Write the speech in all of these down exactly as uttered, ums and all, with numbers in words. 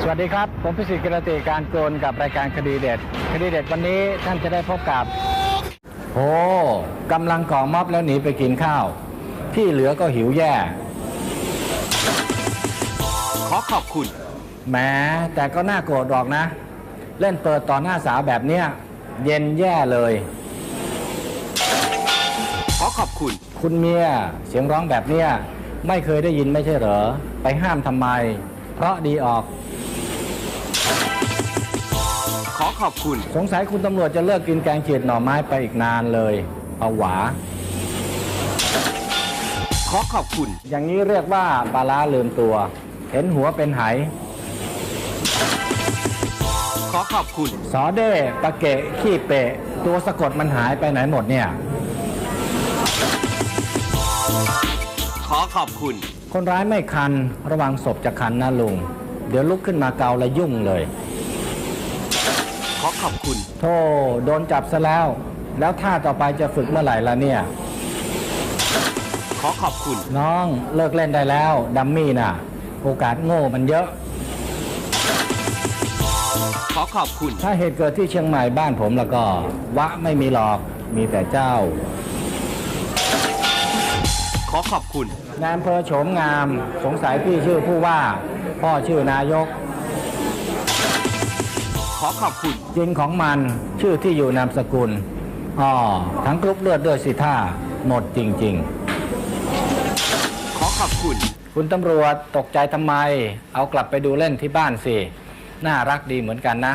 สวัสดีครับผมพิสิทธิ์กิรติการโกนกับรายการคดีเด็ดคดีเด็ดวันนี้ท่านจะได้พบกับโอ้กำลังก่อม็อบแล้วหนีไปกินข้าวที่เหลือก็หิวแย่ขอขอบคุณแหมแต่ก็น่าโกรธหรอกนะเล่นเปิดต่อหน้าสาวแบบเนี้ยเย็นแย่เลยขอขอบคุณคุณเมียเสียงร้องแบบเนี้ยไม่เคยได้ยินไม่ใช่เหรอไปห้ามทำไมเพราะดีออกขอขอบคุณสงสัยคุณตำรวจจะเลิกกินแกงเขียดหน่อไม้ไปอีกนานเลยเอาหวาขอขอบคุณอย่างนี้เรียกว่าปลาร้าลืมตัวเห็นหัวเป็นไหขอขอบคุณสอเด้ปะเกะขี้เปะตัวสะกดมันหายไปไหนหมดเนี่ยขอขอบคุณคนร้ายไม่คันระวังศพจะคันนะลุงเดี๋ยวลุกขึ้นมาเกาและยุ่งเลยขอขอบคุณโธ่โดนจับซะแล้วแล้วท่าต่อไปจะฝึกเมื่อไหร่ล่ะเนี่ยขอขอบคุณน้องเลิกเล่นได้แล้วดัมมี่น่ะโอกาสโง่มันเยอะขอขอบคุณถ้าเหตุเกิดที่เชียงใหม่บ้านผมแล้วก็วะไม่มีหรอกมีแต่เจ้าขอขอบคุณนายอำเภอโฉมงามสงสัยพี่ชื่อผู้ว่าพ่อชื่อนายกขอขอบคุณจริงของมันชื่อที่อยู่นามสกุลอ๋อทั้งกรุ๊ปเลือดด้วยสิท่าหมดจริงๆขอขอบคุณคุณตำรวจตกใจทำไมเอากลับไปดูเล่นที่บ้านสิน่ารักดีเหมือนกันนะ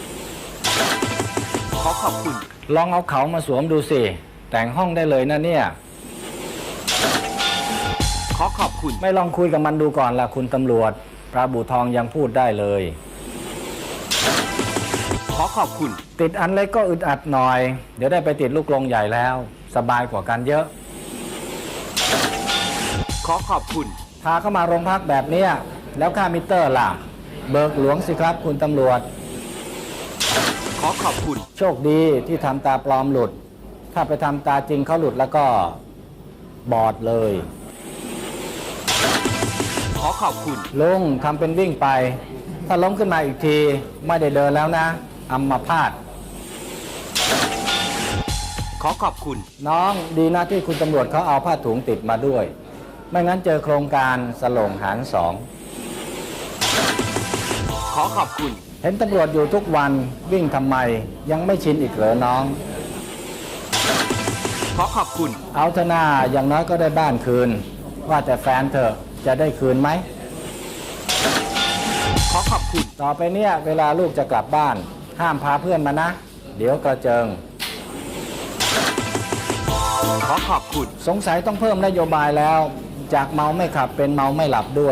ขอขอบคุณลองเอาเขามาสวมดูสิแต่งห้องได้เลยนะเนี่ยขอขอบคุณไม่ลองคุยกับมันดูก่อนล่ะคุณตำรวจปลาบู่ทองยังพูดได้เลยขอขอบคุณติดอันเล็กก็อึดอัดหน่อยเดี๋ยวได้ไปติดลูกกรงใหญ่แล้วสบายกว่ากันเยอะขอขอบคุณพาเข้ามาโรงพักแบบนี้แล้วค่ามิเตอร์ล่ะเบิกหลวงสิครับคุณตำรวจขอขอบคุณโชคดีที่ทำตาปลอมหลุดถ้าไปทำตาจริงเขาหลุดแล้วก็บอดเลยขอขอบคุณลุงทำเป็นวิ่งไปถ้าล้มขึ้นมาอีกทีไม่ได้เดินแล้วนะอัมพาตขอขอบคุณน้องดีนะที่คุณตำรวจเขาเอาผ้าถุงติดมาด้วยไม่งั้นเจอโครงการสลงหารสองขอขอบคุณเห็นตำรวจอยู่ทุกวันวิ่งทำไมยังไม่ชินอีกเหรอน้องขอขอบคุณเอาเถอะหน้าอย่างน้อยก็ได้บ้านคืนว่าแต่แฟนเธอจะได้คืนไหมขอขอบคุณต่อไปเนี่ยเวลาลูกจะกลับบ้านห้ามพาเพื่อนมานะเดี๋ยวกระเจิงขอขอบคุณสงสัยต้องเพิ่มนโยบายแล้วจากเมาไม่ขับเป็นเมาไม่หลับด้วย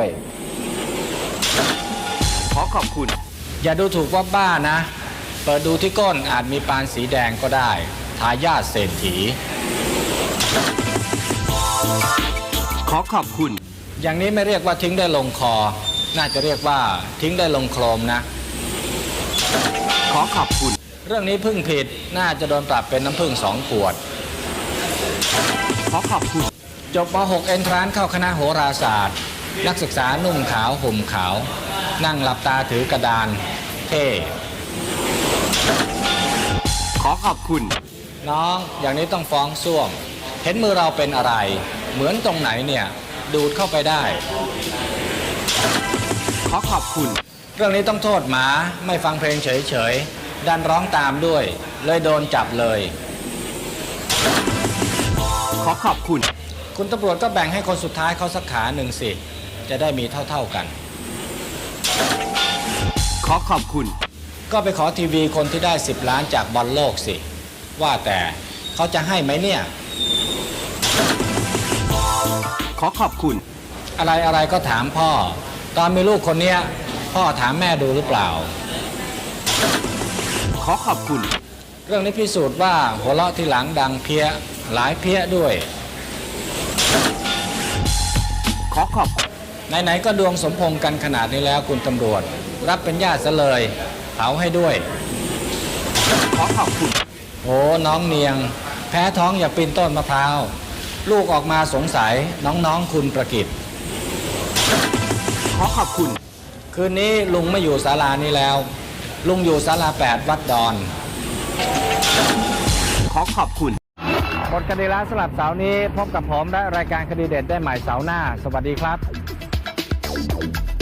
ขอขอบคุณอย่าดูถูกว่าบ้านะเปิดดูที่ก้นอาจมีปานสีแดงก็ได้ทายาทเศรษฐีขอขอบคุณอย่างนี้ไม่เรียกว่าทิ้งได้ลงคอน่าจะเรียกว่าทิ้งได้ลงโครมนะขอขอบคุณเรื่องนี้พึ่งผิดน่าจะโดนปรับเป็นน้ำพึ่งสองขวดขอขอบคุณจบม หก เอนทรานซ์เข้าคณะโหราศาสตร์นักศึกษานุ่งขาวห่มขาวนั่งหลับตาถือกระดานเท่ขอขอบคุณน้องอย่างนี้ต้องฟ้องส้วมเห็นมือเราเป็นอะไรเหมือนตรงไหนเนี่ยดูดเข้าไปได้ขอขอบคุณเรื่องนี้ต้องโทษหมาไม่ฟังเพลงเฉยๆดันร้องตามด้วยเลยโดนจับเลยขอขอบคุณคุณตำรวจก็แบ่งให้คนสุดท้ายเขาสักขาหนึ่งสิจะได้มีเท่าๆกันขอขอบคุณก็ไปขอทีวีคนที่ได้สิบล้านจากบอลโลกสิว่าแต่เขาจะให้ไหมเนี่ยขอขอบคุณอะไรอะไรก็ถามพ่อตอนมีลูกคนเนี้ยพ่อถามแม่ดูหรือเปล่าขอขอบคุณเรื่องนี้พิสูจน์ว่าหัวเราะที่หลังดังเพี้ยหลายเพี้ยด้วยขอขอบไหนๆก็ดวงสมพงษ์กันขนาดนี้แล้วคุณตำรวจรับเป็นญาติซะเลยเผาให้ด้วยขอขอบคุณโอ้น้องเนียงแพ้ท้องอย่าปีนต้นมะพร้าวลูกออกมาสงสัยน้องๆคุณประกิตขอขอบคุณคคืนนี้ลุงไม่อยู่ศาลานี้แล้ว ลุงอยู่ศาลาแปดวัดดอนขอขอบคุณหมดคดีแล้วสำหรับเสาร์นี้พบกับผมและรายการคดีเด็ดได้ใหม่เสาร์หน้า สวัสดีครับ